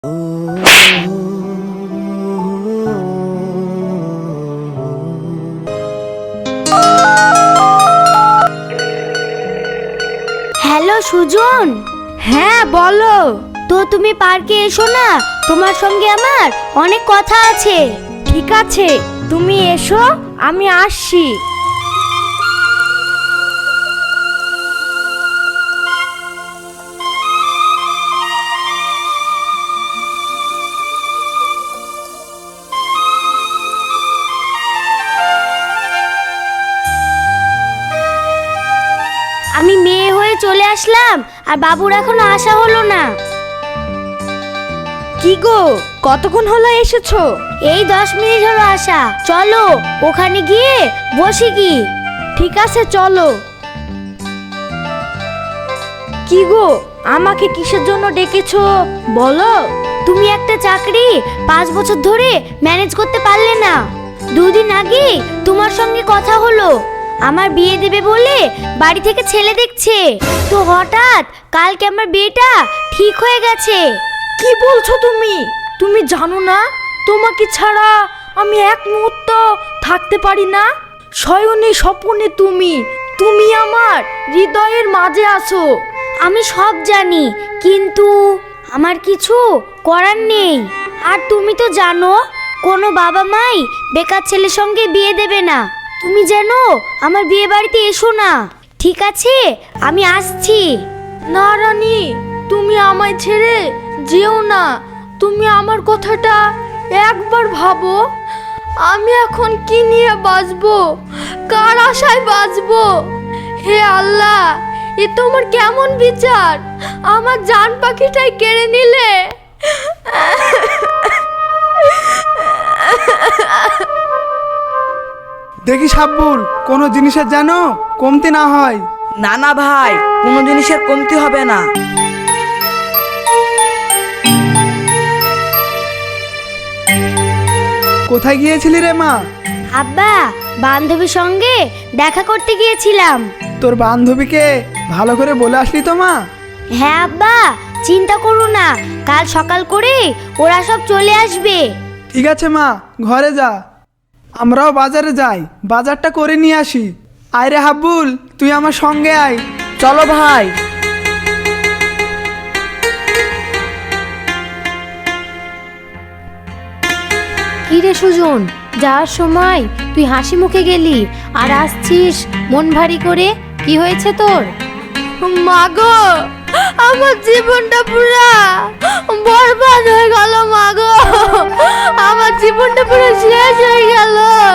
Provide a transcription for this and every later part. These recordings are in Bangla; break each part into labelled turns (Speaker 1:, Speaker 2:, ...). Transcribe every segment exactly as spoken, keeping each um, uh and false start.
Speaker 1: হ্যালো সুজন। হ্যাঁ বলো। তো তুমি পার্কে এসো না, তোমার সঙ্গে আমার অনেক কথা আছে। ঠিক আছে, তুমি এসো, আমি আসছি। আমি মেয়ে হয়ে চলে আসলাম, আর বাবুর এখনো আসা হলো না। কি গো, কতক্ষণ হলো এসেছো? এই দশ মিনিট হলো আসা। চলো ওখানে গিয়ে বসি কি? ঠিক আছে চলো। কি গো, আমাকে কিসের জন্য ডেকেছো বলো? তুমি একটা চাকরি পাঁচ বছর ধরে ম্যানেজ করতে পারলে না। দুদিন আগে তোমার সঙ্গে কথা হলো, আমার বিয়ে দেবে বলে বাড়ি থেকে ছেলে দেখছে। তো হঠাৎ কালকে আমার বিয়েটা ঠিক হয়ে গেছে। কি বলছো তুমি? তুমি জানো না তোমাকে ছাড়া আমি এক মুহূর্ত থাকতে পারি না। শয়নে স্বপ্নে তুমি তুমি আমার হৃদয়ের মাঝে আছো। আমি সব জানি, কিন্তু আমার কিছু করার নেই। আর তুমি তো জানো কোনো বাবা মাই বেকার ছেলের সঙ্গে বিয়ে দেবে না। তুমি যেন আমার বিয়ে বাড়িতে এসো না, ঠিক আছে? আমি আসছি। না রানী, তুমি আমায় ছেড়ে যেও না। তুমি আমার কথাটা একবার ভাবো। আমি এখন কি নিয়ে বাঁচবো, কার আশায় বাঁচবো? হে আল্লাহ, এ তোমার কেমন বিচার? আমার জান পাখিটাই কেড়ে নিলে।
Speaker 2: দেখি সাব্বুল, কোনো জিনিসের যেন কমতি না হয়।
Speaker 3: না না ভাই, কোনো জিনিসের কমতি হবে না।
Speaker 2: কোথায় গিয়েছিলি রে মা?
Speaker 1: আব্বা, বান্ধবীর সঙ্গে দেখা করতে গিয়েছিলাম।
Speaker 2: তোর বান্ধবীকে ভালো করে বলে আসলি তো মা?
Speaker 1: হ্যাঁ আব্বা, চিন্তা করো না, কাল সকাল করে ওরা সব চলে আসবে।
Speaker 2: ঠিক আছে মা, ঘরে যা, আমরাও বাজারে যাই, বাজারটা করে নিয়ে আসি। আয় রে হাব্বুল, তুই আমার সঙ্গে আয়।
Speaker 3: চলো ভাই।
Speaker 4: কি রে সুজন, যাওয়ার সময় তুই হাসি মুখে গেলি, আর আসছিস মন ভারী করে। কি হয়েছে তোর?
Speaker 1: মাগো, আমার জীবনটা পুরা বরবাদ হয়ে গেল। মাগো, আমার জীবনটা পুরো শেষ হয়ে গেল।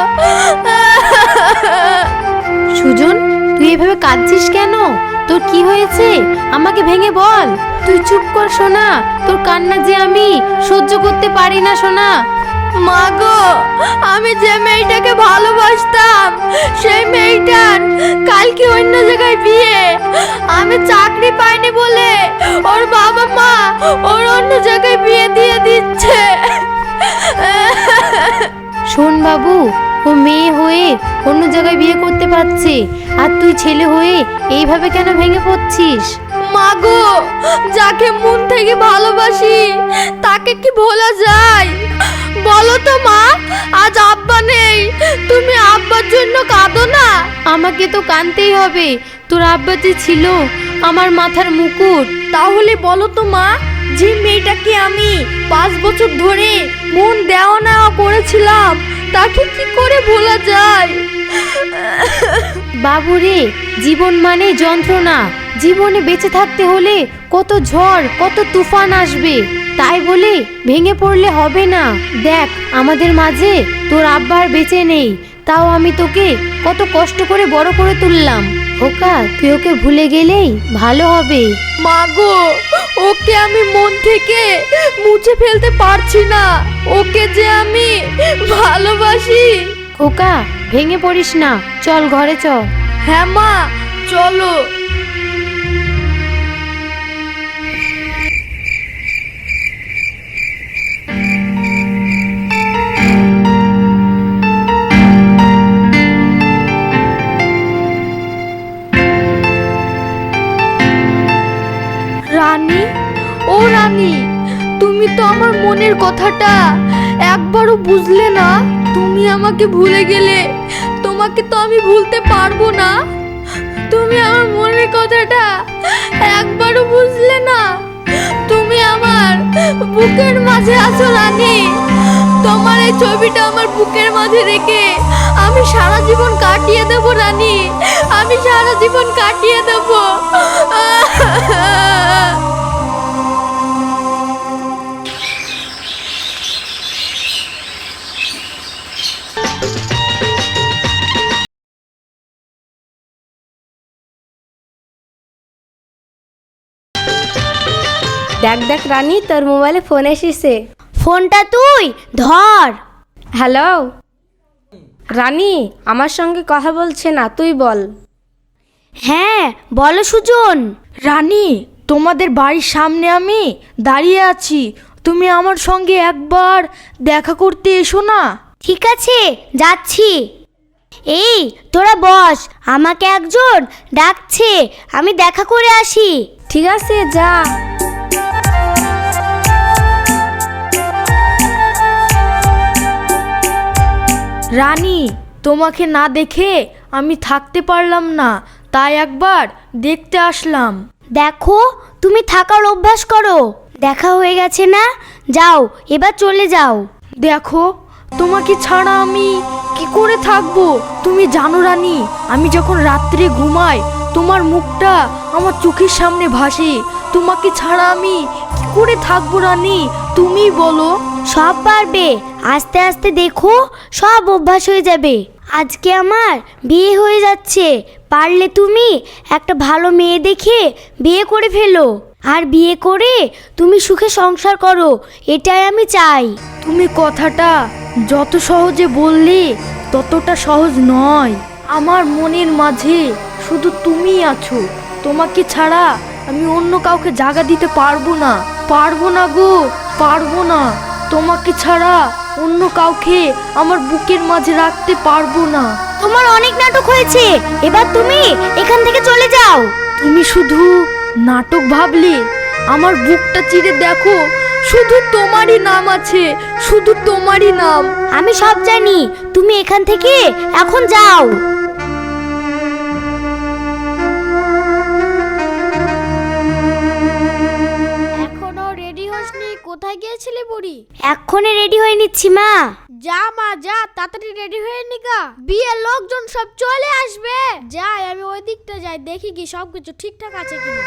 Speaker 4: সুজন, তুই এভাবে কাঁদছিস কেন? তোর কি হয়েছে আমাকে ভেঙে বল। তুই চুপ কর সোনা, তোর কান্না যে আমি সহ্য করতে পারি না সোনা।
Speaker 1: মাগো, আমি যে মেয়েটাকে ভালোবাসতাম সেই মেয়েটার কালকে অন্য জায়গায় বিয়ে। আমি চাকরি পাইনি বলে ওর বাবা মা ওর অন্য জায়গায় বিয়ে দিয়ে দিচ্ছে।
Speaker 4: শোন বাবু, ও মেয়ে হয়ে অন্য জায়গায় বিয়ে করতে পারছে, আর তুই ছেলে হয়ে এইভাবে কেন ভেঙে পড়ছিস?
Speaker 1: মাগো, যাকে মন থেকে ভালোবাসি তাকে কি ভোলা যায় বলো তো মা? আজ আব্বা নেই, তুমি আব্বার জন্য কাঁদো না?
Speaker 4: আমাকে তো কাঁদতেই হবে, তোর আব্বা যে ছিল আমার মাথার মুকুট।
Speaker 1: তাহলে বলো তো মা, যে মেয়েটাকে আমি পাঁচ বছর ধরে মন দেওয়া নেওয়া করেছিলাম তাকে কি করে ভোলা যায়?
Speaker 4: বাবুরে, জীবন মানে যন্ত্রণা। জীবনে বেঁচে থাকতে হলে কত ঝড় কত তুফান আসবে, তাই বলে ভেঙে পড়লে হবে না। দেখ, আমাদের মাঝে তোর আব্বা আর বেঁচে নেই, তাও আমি তোকে কত কষ্ট করে বড় করে তুললাম। ওকা, তুই ওকে ভুলে গেলেই ভালো হবে।
Speaker 1: মাগো, ওকে আমি মন থেকে মুছে ফেলতে পারছি না। ওকে যে আমি ভালোবাসি।
Speaker 4: ওকা, ভেঙে পড়িস না, চল ঘরে চল।
Speaker 1: হ্যাঁ মা, চলো। রানী, ও রানী, তুমি তো আমার আমার মনের কথাটা একবারও বুঝলে না? তুমি আমাকে ভুলে গেলে তোমাকে তো আমি ভুলতে পারবো না। তুমি আমার মনের কথাটা একবারও বুঝলে না। তুমি আমার বুকের মাঝে আছো রানী। তোমার এই ছবিটা আমার বুকের মাঝে রেখে আমি সারা জীবন কাটিয়ে দেবো রানী। আমি সারা জীবন কাটিয়ে দেবো।
Speaker 4: দেখ দেখ রানী, তোর মোবাইলে ফোন এসেছে।
Speaker 1: ফোনটা তুই ধর।
Speaker 4: হ্যালো রানী, আমার সঙ্গে কথা বলছে না, তুই বল।
Speaker 1: হ্যাঁ বলো সুজন।
Speaker 3: রানী, তোমাদের বাড়ির সামনে আমি দাঁড়িয়ে আছি, তুমি আমার সঙ্গে একবার দেখা করতে এসো না।
Speaker 1: ঠিক আছে যাচ্ছি। এই তোরা বস, আমাকে একজন ডাকছে, আমি দেখা করে আসি।
Speaker 4: ঠিক আছে যা।
Speaker 3: রানী, তোমাকে না দেখে আমি থাকতে পারলাম না, তাই একবার দেখতে আসলাম।
Speaker 1: দেখো তুমি থাকার অভ্যাস করো। দেখা হয়ে গেছে না, যাও এবার চলে যাও।
Speaker 3: দেখো, তোমাকে ছাড়া আমি কি করে থাকবো? তুমি জানো রানী, আমি যখন রাত্রে ঘুমাই তোমার মুখটা আমার চোখের সামনে ভাসে। তোমাকে ছাড়া আমি কি করে থাকবো রানী, তুমি বলো।
Speaker 1: সব পারবে, আস্তে আস্তে দেখো সব অভ্যাস হয়ে যাবে। আজকে আমার বিয়ে হয়ে যাচ্ছে, পারলে তুমি একটা ভালো মেয়ে দেখে বিয়ে করে ফেলো। আর বিয়ে করে তুমি সুখে সংসার করো, এটাই আমি চাই।
Speaker 3: তুমি কথাটা যত সহজে বললে ততটা সহজ নয়। আমার মনের মাঝে শুধু তুমিই আছো। তোমাকে ছাড়া আমি অন্য কাউকে জায়গা দিতে পারবো না, পারবো না গো, পারবো না। তোমাকে ছাড়া অন্য কাউকে আমার বুকের মাঝে রাখতে পারবো না।
Speaker 1: তোমার অনেক নাটক হয়েছে, এবার তুমি এখান থেকে চলে যাও।
Speaker 3: তুমি শুধু নাটক ভাবলে, আমার বুকটা চিরে দেখো, শুধু তোমারই নাম আছে, শুধু তোমারই নাম।
Speaker 1: আমি সব জানি, তুমি এখান থেকে এখন যাও।
Speaker 5: এখনো রেডি হসনি? কোথায় গিয়েছিলি বুড়ি?
Speaker 1: এক্ষুনি রেডি হয়ে নিচ্ছি মা।
Speaker 5: যা মা যা, তাড়াতাড়ি রেডি হয়ে নিকা, বিয়ের লোকজন সব চলে আসবে। যাই আমি ওই দিকটা যাই, দেখি কি সবকিছু ঠিকঠাক আছে কিনা।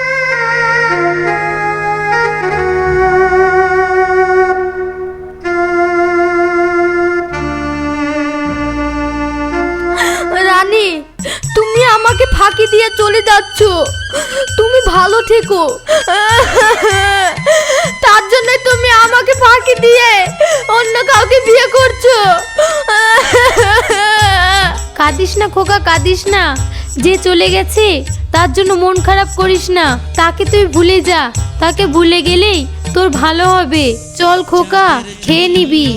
Speaker 3: রানী, তুমি আমাকে ফাঁকি দিয়ে চলে যাচ্ছ। তুমি ভালো থেকো, তার জন্য তুমি আমাকে ফাঁকি দিয়ে অন্য কাউকে বিয়ে করছো।
Speaker 4: কাঁদিস না খোকা, কাঁদিস না। যে চলে গেছে তার জন্য মন খারাপ করিস না, তাকে তুই ভুলে যা। তাকে ভুলে গেলেই তোর ভালো হবে। চল খোকা, খেয়ে নিবি।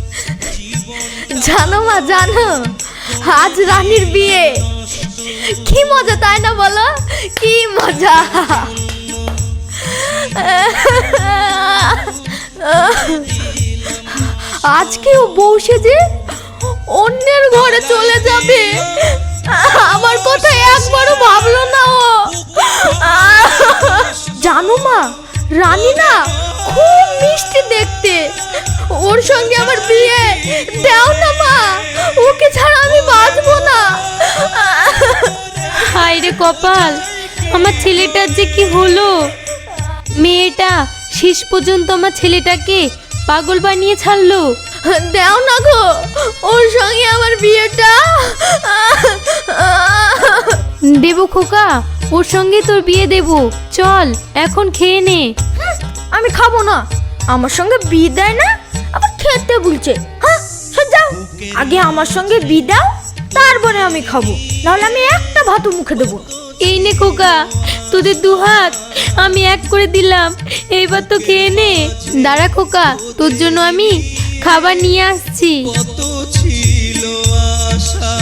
Speaker 3: জানো মা, জানো আজ রানীর বিয়ে। কি মজা তাই না বলো, কি মজা। আজকে ও বউ সেজে অন্যের ঘরে চলে যাবে, আমার কথা একবারও ভাবলো না ও। জানো মা, রানী না খুব মিষ্টি দেখতে। ওর সঙ্গে আমার বিয়ে দাও না মা, ওকে ছাড়া আমি বাঁচবো না।
Speaker 4: হায় রে কপাল, আমার ছেলেটার যে কি হলো। মেয়েটা শেষ পর্যন্ত আমার ছেলেটাকে পাগল বানিয়ে ছাড়লো।
Speaker 3: দাও না গো, ওর সঙ্গে আমার বিয়েটা।
Speaker 4: দেবো খোকা, ওর সঙ্গে তোর বিয়ে দেবো। চল এখন খেয়ে নে।
Speaker 3: আমি খাবো না, আমার সঙ্গে বিয়ে দেয় না, আবার খেতে বলছে। হ্যাঁ সব যাও, আগে আমার সঙ্গে বিয়ে দাও, তারপরে আমি খাবো, নাহলে আমি একটা ভাতও মুখে দেবো।
Speaker 4: এই নে খোকা, তোদের দু হাত আমি এক করে দিলাম, এইবার তো খেয়ে নে। দাঁড়া খোকা, তোর জন্য আমি খাবার নিয়ে আসছি।
Speaker 6: কত ছিল আশা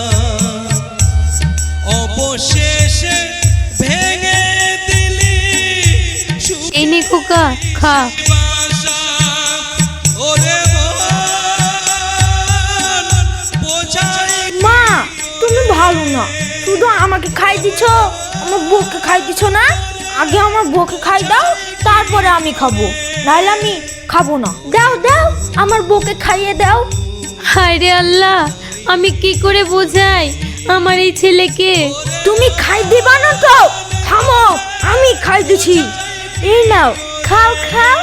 Speaker 6: অবশেষে ভেঙে দিলি
Speaker 4: এই নে খোকা, খা।
Speaker 6: বাসা।
Speaker 3: দিছ, আমার বউকে খাই দিছ না? আগে আমার বউকে খাই দাও, তারপরে আমি খাবো, নাহলে আমি খাবো না। দাও দাও, আমার বউকে খাইয়ে দাও।
Speaker 4: হায় রে আল্লাহ, আমি কি করে বোঝাই আমার এই ছেলেকে।
Speaker 3: তুমি খাই দিবা না তো? থামো, আমি খাই দিছি। এই নাও, খাও খাও।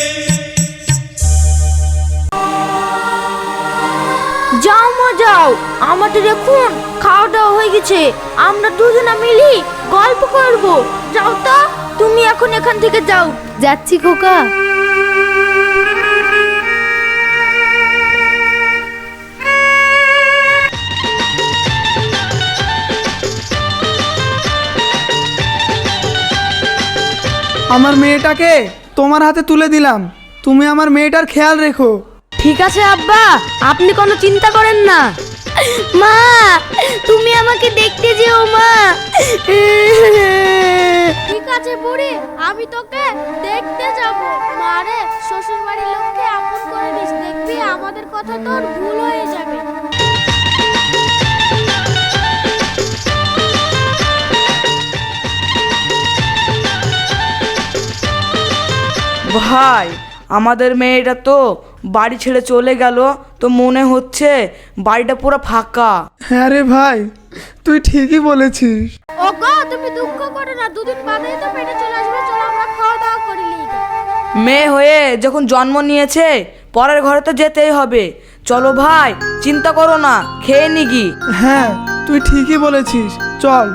Speaker 3: যাও মা যাও, আমাদের এখন খাওয়া দাওয়া হয়ে গেছে, আমরা দুজনা মিলি গল্প করব। যাও তো, তুমি এখন এখান থেকে যাও।
Speaker 4: যাচ্ছি খোকা।
Speaker 2: আমার মেয়েটাকে তোমার হাতে তুলে দিলাম, তুমি আমার মেয়েটার খেয়াল রেখো।
Speaker 3: ঠিক আছে আব্বা, আপনি কোনো চিন্তা করেন না।
Speaker 1: মা, তুমি আমাকে দেখতে যেও মা।
Speaker 5: ঠিক আছে বুড়ি, আমি তোকে দেখতে যাব। মারে, শ্বশুর বাড়ির লোককে আপন করে নিস, দেখবি আমাদের কথা তোর ভুল হয়ে যাবে।
Speaker 7: ভাই, আমাদের মেয়েটা তো বাড়ি ছেড়ে চলে গেল, তো মনে হচ্ছে বাড়িটা পুরো ফাঁকা।
Speaker 2: হ্যাঁ রে ভাই, তুই ঠিকই বলেছিস।
Speaker 5: ওগো, তুমি দুঃখ করো না, দুদিন বাদেই তো পেটে চলে আসবে। চলো আমরা খাওয়া দাওয়া করি লিগে।
Speaker 7: মেয়ে হয়ে যখন জন্ম নিয়েছে, পরের ঘরে তো যেতেই হবে। চলো ভাই, চিন্তা করো না, খেয়ে নিগি।
Speaker 2: হ্যাঁ, তুই ঠিকই বলেছিস, চল।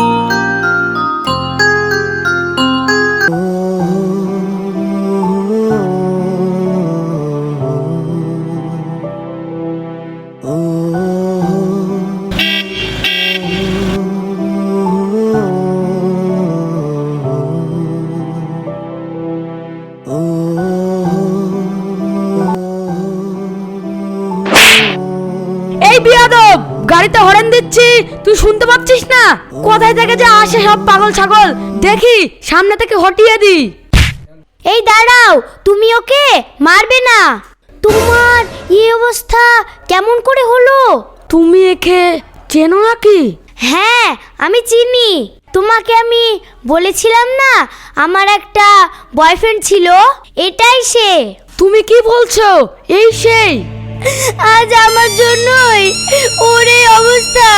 Speaker 3: এই বিয়াদব, গাড়িতে হরেন দিচ্ছি, তুই শুনতে পাচ্ছিস না? কোথায় থেকে যে আসে সব পাগল ছাগল, দেখি সামনে থেকে হটিয়ে দি।
Speaker 1: এই দাঁড়াও, তুমি ওকে মারবে না। তোমার এই অবস্থা কেমন করে হলো?
Speaker 3: তুমি একে চেনো নাকি?
Speaker 1: হ্যাঁ, আমি চিনি। তোমাকে আমি বলেছিলাম না আমার একটা বয়ফ্রেন্ড ছিল, এটাই সে।
Speaker 3: তুমি কি বলছো? এই সেই?
Speaker 1: আজ আমার জন্যই ওর এই অবস্থা।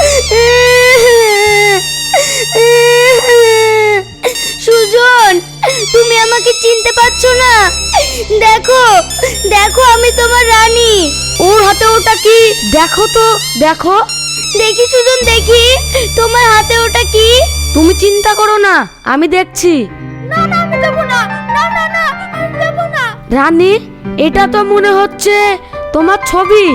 Speaker 1: সুজন, তুমি আমাকে চিনতে পারছো না? দেখো দেখো, আমি তোমার রানী।
Speaker 3: ওর হাতে ওটা কি? দেখো তো, দেখো।
Speaker 1: দেখি সুজন, দেখি তোমার হাতে ওটা কি।
Speaker 3: তুমি চিন্তা করো না, আমি দেখছি।
Speaker 5: না না, আমি দেবো না। না না না, আমি দেবো না।
Speaker 3: রানী, এটা তো মনে হচ্ছে তোমার ছবি।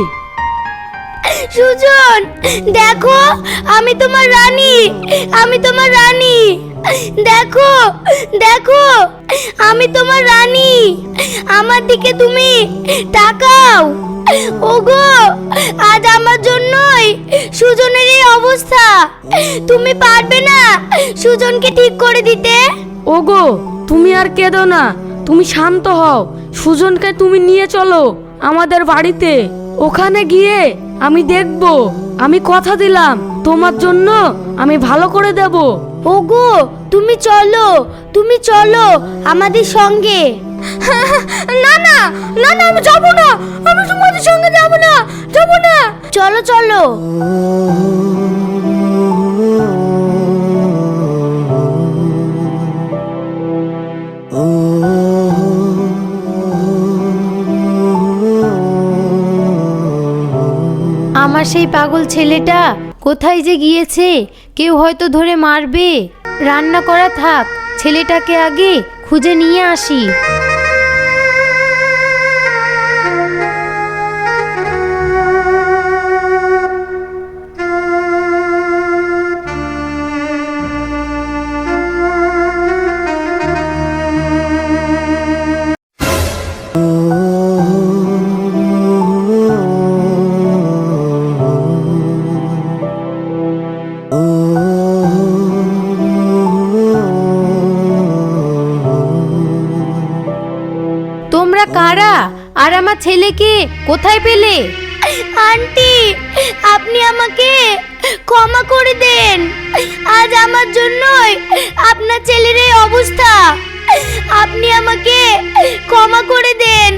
Speaker 1: সুজন, দেখো আমি তোমার রানী, আমি তোমার রানী। দেখো দেখো, আমি তোমার রানী, আমার দিকে তুমি তাকাও। ওগো, আজ আমার জন্যই সুজনের এই অবস্থা। তুমি পারবে না সুজনকে ঠিক করে দিতে?
Speaker 3: ওগো, তুমি আর কেঁদো না, তুমি শান্ত হও। সুজনকে তুমি নিয়ে চলো আমাদের বাড়িতে, ওখানে গিয়ে আমি দেখব। আমি কথা দিলাম, তোমার জন্য আমি ভালো করে দেব।
Speaker 1: ওগো, তুমি চলো, তুমি চলো আমাদের সঙ্গে।
Speaker 5: না না না না, আমি যাবো না, আমি তোমাদের সঙ্গে যাবো না, যাবো না।
Speaker 1: চলো চলো।
Speaker 4: আমার সেই পাগল ছেলেটা কোথায় যে গিয়েছে, কেউ হয়তো ধরে মারবে। রান্না করা থাক, ছেলেটাকে আগে খুঁজে নিয়ে আসি। তোমরা কারা আর আমার ছেলেকে কোথায় পেলে?
Speaker 1: আন্টি, আপনি আমাকে ক্ষমা করে দেন। আজ আমার জন্যই আপনার ছেলের এই অবস্থা। আপনি আমাকে ক্ষমা করে দেন।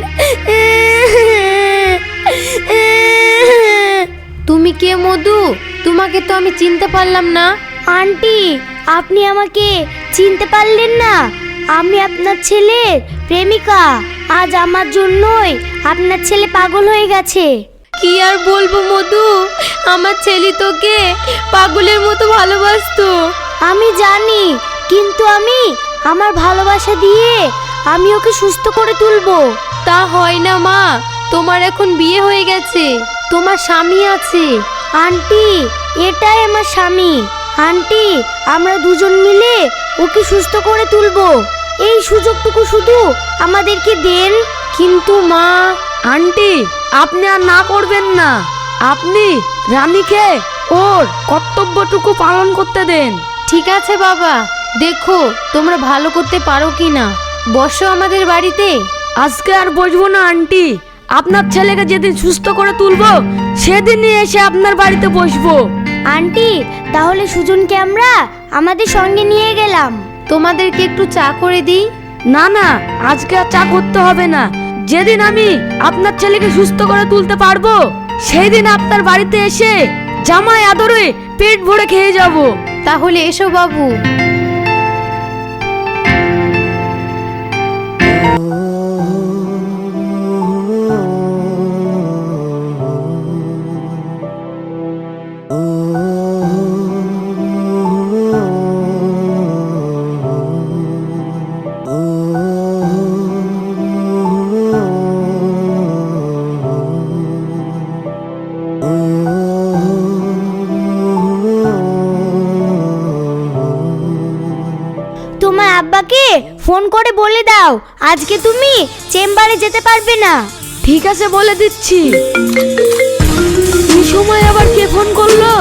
Speaker 4: তুমি কে মধু? তোমাকে তো আমি চিনতে পারলাম না।
Speaker 1: আন্টি, আপনি আমাকে চিনতে পারলেন না? আমি আপনার ছেলের প্রেমিকা। আজ আমার জন্যই আপনার ছেলে পাগল হয়ে গেছে।
Speaker 4: কি আর বলবো মধু, আমার ছেলে তোকে পাগলের মতো ভালোবাসতো।
Speaker 1: আমি জানি, কিন্তু আমি আমার ভালোবাসা দিয়ে আমি ওকে সুস্থ করে তুলবো।
Speaker 4: তা হয় না মা, তোমার এখন বিয়ে হয়ে গেছে, তোমার স্বামী আছে।
Speaker 1: আন্টি, এটাই আমার স্বামী। আন্টি, আমরা দুজন মিলে ওকে সুস্থ করে তুলবো। এই সুযোগটুকু শুধু আমাদেরকে দেন।
Speaker 4: কিন্তু মা,
Speaker 7: আন্টি, আপনি আর না করবেন না। আপনি রানীকে ওর কর্তব্যটুকু পালন করতে দেন।
Speaker 4: ঠিক আছে বাবা, দেখো তোমরা ভালো করতে পারো কি না। বসো আমাদের বাড়িতে।
Speaker 7: আজকে আর বসবো না আন্টি, আপনার ছেলেকে যেদিন সুস্থ করে তুলবো সেদিনই এসে আপনার বাড়িতে বসবো।
Speaker 1: আন্টি, তাহলে সুজনকে আমরা আমাদের সঙ্গে নিয়ে গেলাম।
Speaker 4: তোমাদেরকে একটু চা করে দিই।
Speaker 7: না না, আজকে আর চা করতে হবে না। যেদিন আমি আপনার ছেলেকে সুস্থ করে তুলতে পারবো সেই দিন আপনার বাড়িতে এসে জামাই আদরে পেট ভরে খেয়ে যাব।
Speaker 4: তাহলে এসো বাবু।
Speaker 1: তোমার আব্বাকে ফোন করে বলে দাও আজকে তুমি চেম্বারে যেতে পারবে না।
Speaker 7: ঠিক আছে, বলে দিচ্ছি। এই সময় আবার কে ফোন করলো?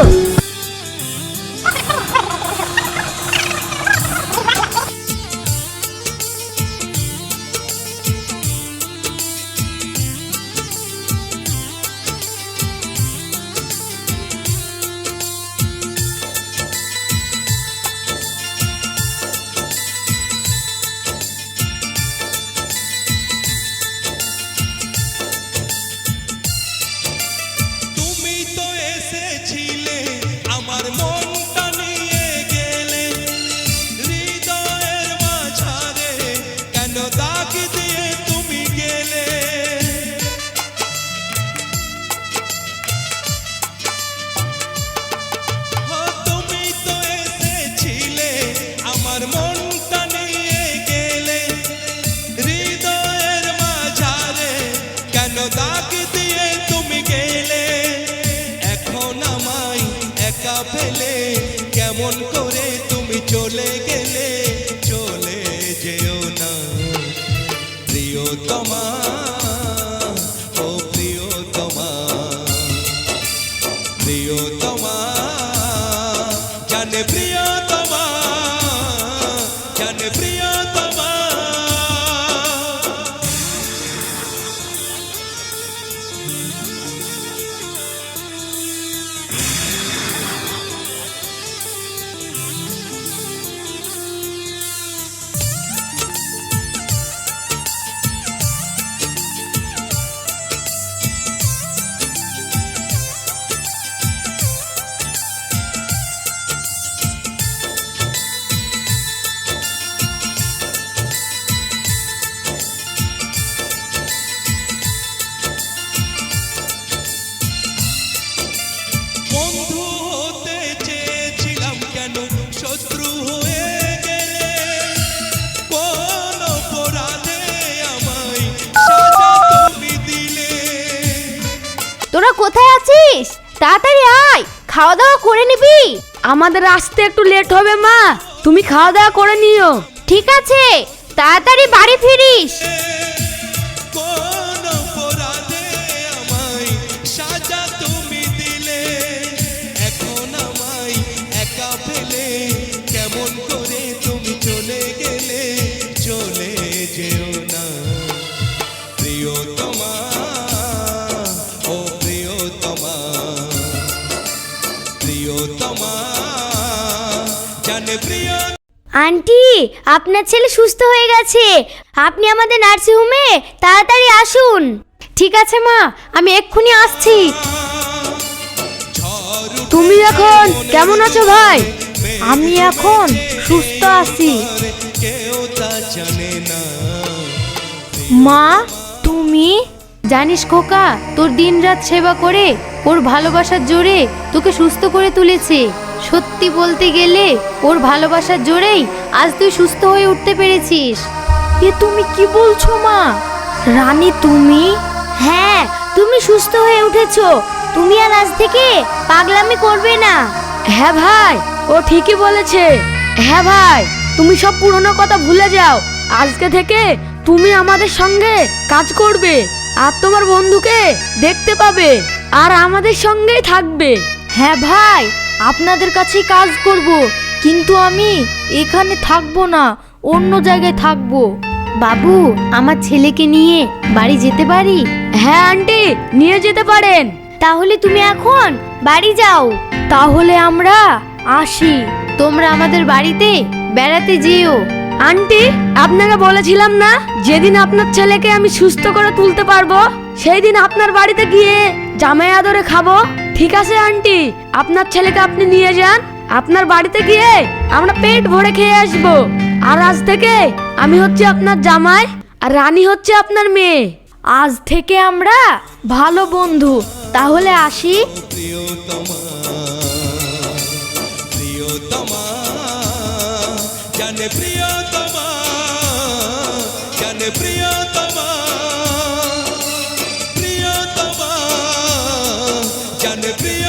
Speaker 6: তুমি তো এসেছিলে আমার মনটা নিয়ে গেলে, হৃদয়ের মাঝারে কেন দাগ দিয়ে তুমি গেলে। ও, তুমি তো এসেছিলে আমার মনটা নিয়ে গেলে, হৃদয়ের মাঝারে কেন দাগ দিয়ে তুমি গেলে। এখন আমায় একা ফেলে কেমন করে তুমি চলে গেলে। চলে যেও না প্রিয়তমা, ও প্রিয়তমা, প্রিয়তমা, জানে প্রিয়তমা, জানে প্রিয়তমা। বন্ধু হতে চেয়েছিলাম, কেন শত্রু হয়ে গেলে। কোন অপরাধে আমায় সাজা তুমি দিলে।
Speaker 1: তোরা কোথায় আছিস? তাড়াতাড়ি আয়, খাওয়া দাওয়া করে নিবি।
Speaker 7: আমাদের আসতে একটু লেট হবে মা, তুমি খাওয়া দাওয়া করে নিও।
Speaker 1: ঠিক আছে, তাড়াতাড়ি বাড়ি ফিরিস।
Speaker 6: কোন অপরাধে আমায় সাজা তুমি দিলে। এখন আমায় একা ফেলে কেমন করে তুমি চলে গেলে। চলে যেও না প্রিয়তমা, ও প্রিয়
Speaker 1: আন্টি, আপনার ছেলে সুস্থ হয়ে গেছে। আপনি আমাদের নার্সিং হোমে তাড়াতাড়ি আসুন।
Speaker 4: ঠিক আছে মা, আমি এক্ষুনি আসছি।
Speaker 7: তুমি এখন কেমন আছো ভাই?
Speaker 3: আমি এখন সুস্থ আছি।
Speaker 6: কেউ তা জানে না।
Speaker 3: মা, তুমি?
Speaker 4: জানিস খোকা, তোর দিনরাত সেবা করে ওর ভালোবাসার জোরে তোকে সুস্থ করে তুলেছে। সত্যি বলতে গেলে ওর ভালোবাসার জোরেই আজ তুই সুস্থ হয়ে উঠতে পেরেছিস।
Speaker 3: এ তুমি কি বলছো মা? রানী তুমি?
Speaker 1: হ্যাঁ, তুমি সুস্থ হয়ে উঠেছো। তুমি আর আজ থেকে পাগলামি করবে না।
Speaker 7: হ্যাঁ ভাই, ও ঠিকই বলেছে। হ্যাঁ ভাই, তুমি সব পুরনো কথা ভুলে যাও। আজকে থেকে তুমি আমাদের সঙ্গে কাজ করবে, আর তোমার বন্ধুকে দেখতে পাবে, আর আমাদের সঙ্গেই থাকবে।
Speaker 3: হ্যাঁ ভাই, আপনাদের কাছেই কাজ করব, কিন্তু আমি এখানে থাকবো না, অন্য জায়গায় থাকবো।
Speaker 4: বাবু, আমার ছেলেকে নিয়ে বাড়ি যেতে পারি?
Speaker 7: হ্যাঁ আন্টি, নিয়ে যেতে পারেন।
Speaker 1: তাহলে তুমি এখন বাড়ি যাও।
Speaker 3: তাহলে আমরা আসি।
Speaker 4: তোমরা আমাদের বাড়িতে বেড়াতে যেও।
Speaker 7: আন্টি, আপনাকে বলেছিলাম না, যেদিন আপনার ছেলেকে আমি সুস্থ করে তুলতে পারবো সেই দিন আপনার বাড়িতে গিয়ে জামাই আদরে খাবো। ঠিক আছে আন্টি, আপনার ছেলেকে আপনি নিয়ে যান। আপনার বাড়িতে গিয়ে আমরা পেট ভরে খেয়ে আসবো। আর আজ থেকে আমি হচ্ছে আপনার জামাই, আর রানী হচ্ছে আপনার মেয়ে।
Speaker 3: আজ থেকে আমরা ভালো বন্ধু। তাহলে আসি।
Speaker 6: প্রিয়তমা, প্রিয়তমা, জানে প্রিয়তমা, জানে প্রিয়তমা, প্রিয়তমা, জানে প্রিয়